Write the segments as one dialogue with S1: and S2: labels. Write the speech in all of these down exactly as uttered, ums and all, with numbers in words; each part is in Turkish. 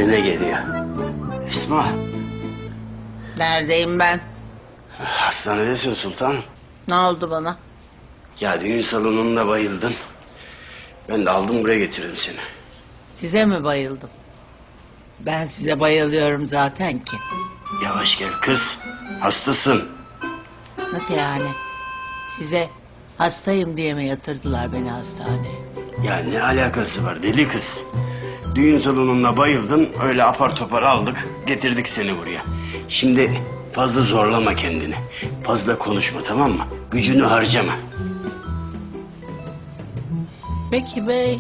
S1: kendine geliyor. Esma.
S2: Neredeyim ben?
S1: Hastanedesin sultanım.
S2: Ne oldu bana?
S1: Ya düğün salonunda bayıldın. Ben de aldım buraya getirdim seni.
S2: Size mi bayıldım? Ben size bayılıyorum zaten ki.
S1: Yavaş gel kız. Hastasın.
S2: Nasıl yani? Size hastayım diye mi yatırdılar beni hastaneye?
S1: Ya ne alakası var deli kız? Düğün salonunda bayıldın. Öyle apar topar aldık. Getirdik seni buraya. Şimdi fazla zorlama kendini. Fazla konuşma, tamam mı? Gücünü harcama.
S2: Peki bey.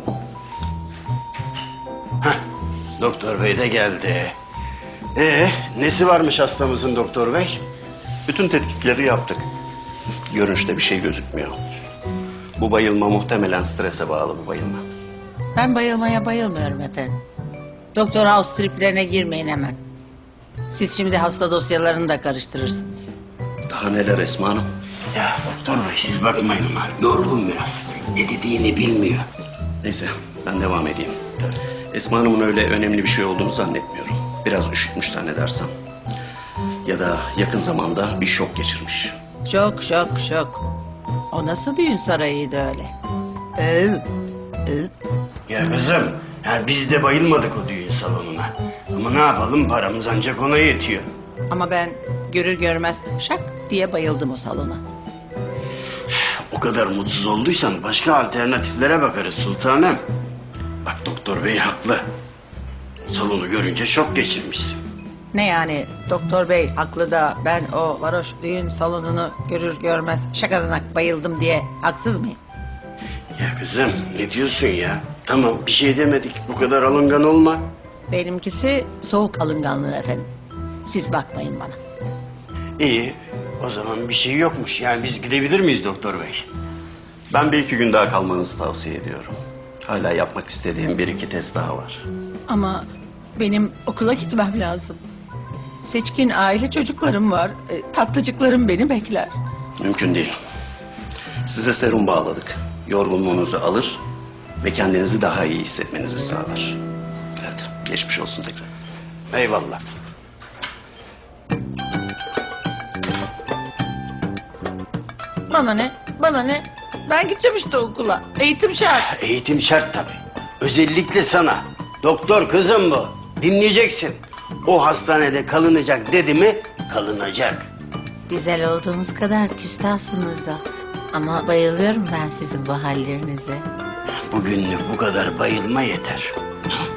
S1: Heh, doktor bey de geldi. Ee, nesi varmış hastamızın doktor bey?
S3: Bütün tetkikleri yaptık. Görünüşte bir şey gözükmüyor. Bu bayılma muhtemelen strese bağlı bu bayılma.
S2: Ben bayılmaya bayılmıyorum efendim. Doktor House triplerine girmeyin hemen. Siz şimdi hasta dosyalarını da karıştırırsınız.
S3: Daha neler Esma Hanım?
S1: Ya doktor bey siz bakmayın ama yorgun biraz. Ne dediğini bilmiyor.
S3: Neyse ben devam edeyim. Esma Hanım'ın öyle önemli bir şey olduğunu zannetmiyorum. Biraz üşütmüş zannedersem. Ya da yakın zamanda bir şok geçirmiş.
S2: Şok şok şok. O nasıl düğün sarayıydı öyle? Öv, öv.
S1: Ya kızım, ya biz de bayılmadık o düğün salonuna. Ama ne yapalım, paramız ancak ona yetiyor.
S2: Ama ben görür görmez şak diye bayıldım o salona.
S1: O kadar mutsuz olduysan başka alternatiflere bakarız sultanım. Bak doktor bey haklı. Salonu görünce şok geçirmişsin.
S2: Ne yani doktor bey haklı da ben o varoş düğün salonunu görür görmez şakadanak bayıldım diye haksız mıyım?
S1: Ya kızım ne diyorsun ya? Tamam bir şey demedik, bu kadar alıngan olma.
S2: Benimkisi soğuk alınganlığı efendim. Siz bakmayın bana.
S1: İyi, o zaman bir şey yokmuş. Yani biz gidebilir miyiz doktor bey?
S3: Ben bir iki gün daha kalmanızı tavsiye ediyorum. Hala yapmak istediğim bir iki test daha var.
S2: Ama benim okula gitmem lazım. Seçkin aile çocuklarım var. E, tatlıcıklarım beni bekler.
S3: Mümkün değil. Size serum bağladık. Yorgunluğunuzu alır ve kendinizi daha iyi hissetmenizi sağlar. Evet, geçmiş olsun tekrar.
S1: Eyvallah.
S2: Bana ne? Bana ne? Ben gideceğim işte okula. Eğitim şart.
S1: Eğitim şart tabii. Özellikle sana. Doktor kızım bu. Dinleyeceksin. O hastanede kalınacak dedi mi kalınacak.
S2: Güzel olduğunuz kadar küstahsınız da. Ama bayılıyorum ben sizin bu hallerinize.
S1: Bugünlük bu kadar bayılma yeter.